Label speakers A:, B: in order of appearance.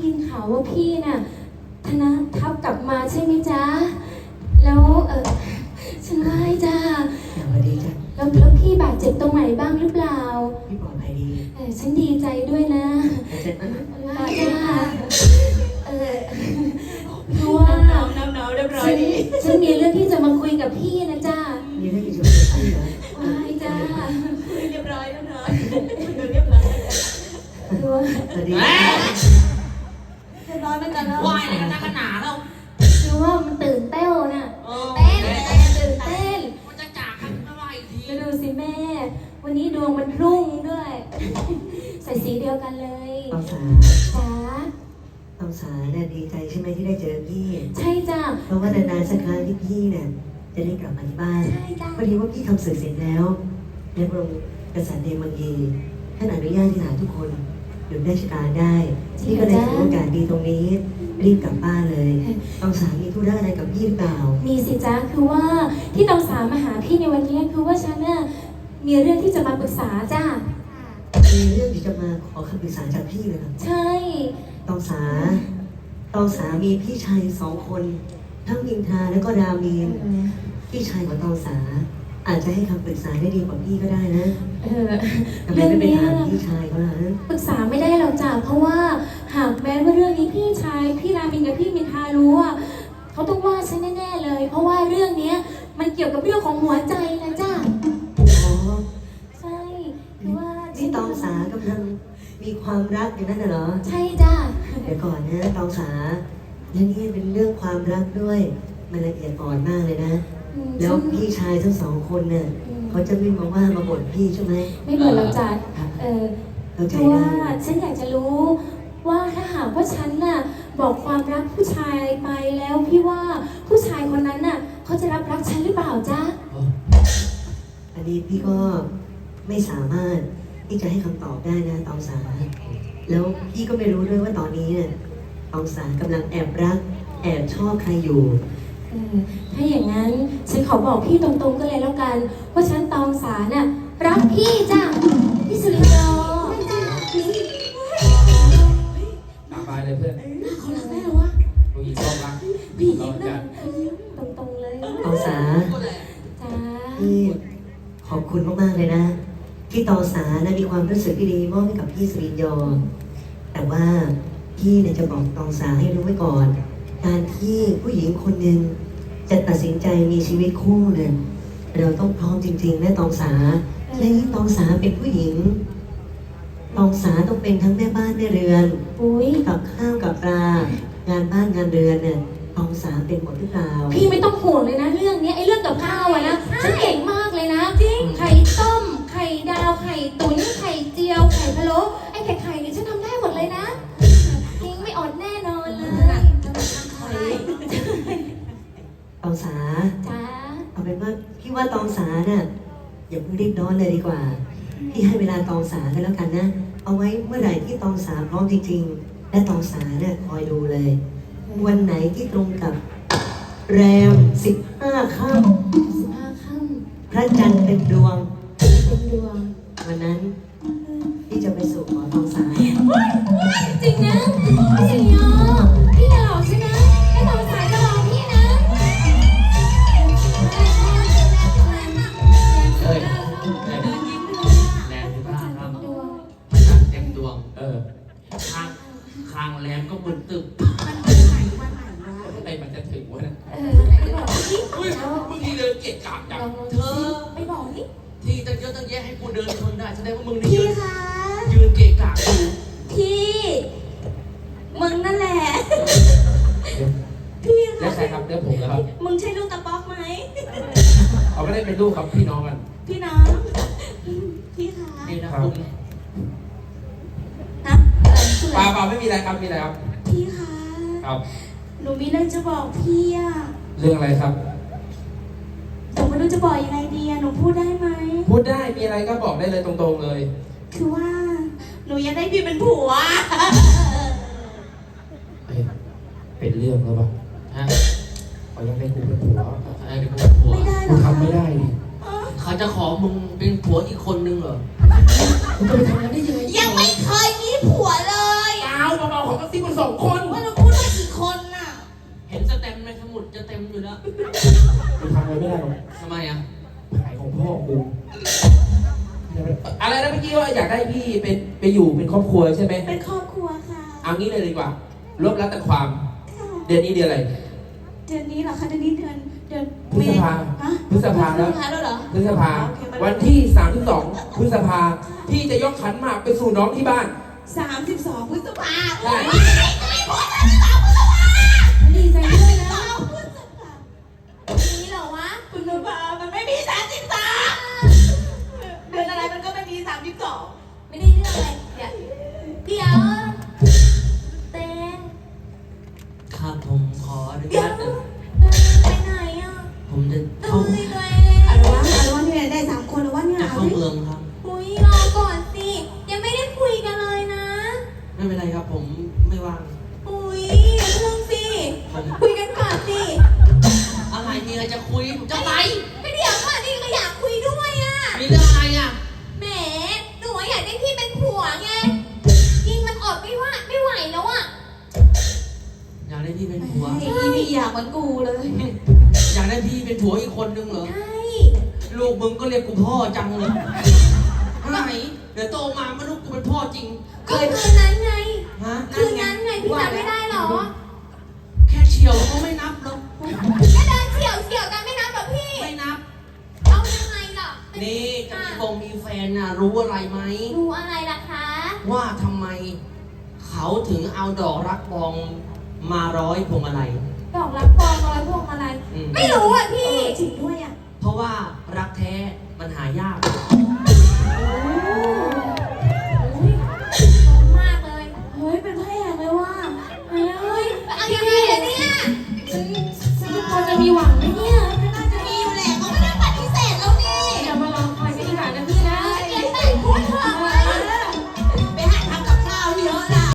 A: ยินข่าวว่าพี่น่ะธนทัพกลับมาใช่ไหมจ๊ะแล้วฉันไหว้จ้า
B: สวัสดีจ้ะ
A: แล้วพี่บาดเจ็บตรงไหนบ้างหรือเปล่า
B: พี่ปลอดภัยดี
A: ฉันดีใจด้วยนะ
B: เสร็จแล้ว
A: จ้าเพราะว่า
C: น้ำเรียบร้อยดี
A: ฉันมีเรื่องที่จะมาคุยกับพี่นะจ้า
B: มีเรื่องที่จะคุยกับพี่เหรอ
A: ไหว้จ้า
C: เรียบร้อยแล้วเนาะเรียบร้อย
B: สวัสดี
C: เรียบร้อยเหมือนกันแล้ว
D: วายอะไรกันนักหนาแล้ว
A: คือว่ามันตื่นเต้นน่ะตื่นเต้น
D: มันจะจากกันเมื่อไหร่ที
A: ก็ดูสิแม่วันนี้ดวงมันรุ่งด้วยใส่สีเดียวกันเลย
B: ตองสา
A: จ้า
B: ตองสาเนี่ยดีใจใช่ไหมที่ได้เจอพี่
A: ใช่จ้า
B: เพราะว่านานๆสักครั้งที่พี่เนี่ยจะได้กลับมาที่บ้านพอดีว่าพี่ทำสื่อเสร็จแล้วในพระองค์กษัตริย์เดมังกีท่านอนุญาตที่หาทุกคนหยุดราชการได้พี่ก็เลยถือโอกาสดีตรงนี้รีบกลับบ้านเลยตองสามีธุระอะไรกับพี่หรือเปล่า
A: มีสิจ้าคือว่าที่ตองสามาหาพี่ในวันนี้คือว่าฉันเนี่ยมีเรื่องที่จะมาปรึกษาจ้า
B: มีเรื่องที่จะมาขอคำปรึกษาจากพี่เลยครับ
A: ใช่
B: ตองสามีพี่ชาย2 คนทั้งมินทาและก็รามีนพี่ชายของตองสาอาจจะให้คำปรึกษาได้ดีกว่าพี่ก็ได้นะทำไมไม่ไปถามพี่ชายเขาล่ะ
A: ปรึกษาไม่ได้หรอกจ้าเพราะว่าหากแม้ว่าเรื่องนี้พี่รามินกับพี่มินทารู้ว่าเขาต้องว่าฉันแน่ๆเลยเพราะว่าเรื่องนี้มันเกี่ยวกับเรื่องของหัวใจนะจ้า
B: อ๋อ
A: ใช่คือว่า
B: ที่ตองสากำลังมีความรักอย่างนั้นเหรอ
A: ใช่จ้า
B: เดี๋ยวก่อนนะตองสาและนี่เป็นเรื่องความรักด้วยมันละเอียดอ่อนมากเลยนะแล้วพี่ชายทั้ง2 คนเนี่ยเขาจะไม่มาว่ามาบ่นพี่ใช่ไหม
A: ไม่บ่นเราจ้ะเพราะว่าฉันอยากจะรู้ว่าถ้าหากว่าฉันน่ะบอกความรักผู้ชายไปแล้วพี่ว่าผู้ชายคนนั้นน่ะเขาจะรับรักฉันหรือเปล่าจ๊ะ
B: อันนี้พี่ก็ไม่สามารถที่จะให้คำตอบได้นะตองสาแล้วพี่ก็ไม่รู้ด้วยว่าตอนนี้เนี่ยตองสากำลังแอบรักแอบชอบใครอยู่
A: ถ้าอย่างนั้นฉันขอบอกพี่ตรงๆก็เลยแล้วกันว่าฉันตองสาน่ะรักพี่จ้ะพี่สุริยอ
D: ตามไปเลยเพื่อน
C: เขารักแม่หรอวะ
D: ผู้หญิงต้องรัก
C: ผู้หญิงนะ
A: ตรงๆเลย
B: ตองสา
A: จ้า
B: พี่ขอบคุณมากๆเลยนะที่ตองสานะมีความรู้สึกที่ดีมอบให้กับพี่สุริยอแต่ว่าพี่เนี่ยจะบอกตองสาให้รู้ไว้ก่อนการที่ผู้หญิงคนหนึ่งจะตัดสินใจมีชีวิตคู่เนี่ยเราต้องพร้อมจริงๆนะตองสาและยิ่งตองสาเป็นผู้หญิงตองสาต้องเป็นทั้งแม่บ้านแม่เรือนกับข้าวกับปลางานบ้านงานเรือนเนี่ยตองสาเป็นหมดหรือเปล่า
A: พี่ไม่ต้องห่วงเลยนะเรื่องนี้ไอ้เรื่องกับข้าวอะนะฉันเก่งมากเลยนะจริงไข่ต้มไข่ดาวไข่ตุ๋นไข่เจียวไข่พะโล้ไอ้ไข่เนี่ยฉันทำได้หมดเลยนะจริงไม่อดแน่นอนเลย
B: ตองสา
A: จ้า
B: เอาเป็นว่าพี่ว่าตองสาเนี่ยอย่าเพิ่งรีบร้อนเลยดีกว่าพี่ให้เวลาตองสากันแล้วกันนะเอาไว้เมื่อไหร่ที่ตองสาพร้อมจริงๆและตองสาเนี่ยคอยดูเลยวันไหนที่ตรงกับแรม15 ค่ำพระจันทร์เต็มดวงวันนั้นพี่จะไปสู่ขอตองสา
A: จริงนะจริงเหรอพี่จะหลอกใช่ไหมให้ตองสาจะหลอกพี่นะ
D: เฮ้ยแรงที่บ้านครับพระจันทร์เต็มดวงคางแรงก็บนตึกอะไรมันจะถึงวะนะมึงนี่เดินเกะกะจังเธอ
C: ไปบอกนี่
D: ที่ตั้งเยอะตั้งแยะให้กูเดินชนได้แสดงว่ามึงนี่ยืนเกะกะอยู่
C: พี่มึงนั่นแหละพี่
D: แล้วใครครับเดี๋ยวผมนะครับ
C: มึงใช่ลูกตะป๊อกไหม
D: เขาไม่ได้เป็นลูกครับพี่น้องกัน
C: พี่น้องพี่คะ
D: นี่นะครับเปล่าไม่มีอะไรครับมีอะไรครับ
C: พี่คะ
D: ครับ
C: หนูมีเรื่องจะบอกพี่อะ
D: เรื่องอะไรครับ
C: แต่ไม่รู้จะบอกยังไงดีอะหนูพูดได้ไหม
D: พูดได้มีอะไรก็บอกได้เลยตรงๆเลย
C: คือว่าหนูอยากได้พี่เป็นผัว
D: เป็นเรื่องแล้วป่ะฮะเขายังได้กูเป็นผัวไม่ได้หรอทำไม่ได้ดิเขาจะขอมึงเป็นผัวอีกคนนึงเหรอมึงจะไปทำงานได้ยังไง
C: ยังไม่เคยมีผัวเลย
D: เอาเบาๆของกระซิบมา2 คน
C: ว่าเราพูดว่ากี่คนน่ะ
D: เห็นสแตมป์ในสมุดจะเต็มอยู่แล้ว
E: กูทำอะไรไม่ได้หรอก
D: ทำไมอ่ะ
E: ขายของพ่อกูอะไรนะเมื่อกี้ว่าอยากได้พี่เป็นไปอยู่เป็นครอบครัวใช่ไหม
C: เป็นครอบครัวค่ะ
E: เอางี้เลยดีกว่ารวบรัดแต่ความ
C: ค่ะ
E: เดือนนี้เดือนอะไร
C: เดือนนี้เหรอคะเดือนนี้เดือน
E: พฤษภา
C: ฮะ
E: พฤษภาแล้ว
C: พฤษภาแล้วเหรอ
E: พฤษภา
C: โอเคมัน
E: วันที่32พฤษภาพี่จะยกขันหมากไปสู่น้องที่บ้าน
C: 32 พฤษภา
E: ใช่
A: ดีใจด้วยนะ
C: พฤษภา
A: นี่เหรอวะ
C: พฤษภามันไม่มี33เดือนอะไรมันก็ไม่มี32
A: ไม่ได้เรื่องอะไรเดี๋ยวเต้น
D: ครับผมขออนุ
A: เดี๋ย
D: ญาว ต
A: ไปไหนอ่ะ
D: ผมจะ
A: เอ้
D: เข้าย
A: ตัวเอ
C: อะไร
A: ง
C: วะเนี่ยได้3 คนแล้ววะเนี่ย
D: จะเข้าเมืองครับ
A: คุยรอก่อนสิ ยังไม่ได้คุยกันเลยนะ
D: ไม่เป็นไรครับผมไม่ว่าง
A: อุ้ยเรื่องสิ คุยกันก่อนสิ
D: อะไรมีอะไรจะคุยผมจะไป
A: ไม่เดี๋ยวก่อนนี่ก็อยากคุยด้วยอ่ะ
D: มีเรื่องอะไรอ่ะ
A: แหมหนูอยากได้พี่เป็นผัวไงยิงมันอดไม่ว่าไม่ไหวแล้วอ่ะ
D: อยากได้พี่เป็นผัว
C: ไอ้นี่อยากเหมือนกูเลย
D: อยากได้พี่เป็นผัวอีกคนนึงเหรอ
A: ใช่
D: ลูกมึงก็เรียกกูพ่อจังเลยไหนเดี๋ยวโตมาไม่รู้กูเป็นพ่อจริง
A: ก็คืนนั้นไง
D: ฮะ
A: คืนนั้นไงพี่จำไม่ได้เหรอ
D: แค่เฉียวเขาไม่นับหรอก
A: ก็เดินเฉียวกันไม่นับหรอพี่
D: ไม่นับ
A: เอายังไงล่ะ
D: นี่จะมีฟงมีแฟนน่ะรู้อะไรไหม
A: รู้อะไรล่ะคะ
D: ว่าทำไมเขาถึงเอาดอกรักบองมาร้อยพวงมาลัย
A: ดอกรักปองร้อยพวงอะไร
D: อืม
A: ไม่รู้อ่ะพี่
C: จริงด้วยอ่ะ
D: เพราะว่ารักแท้มันหายาก
A: อ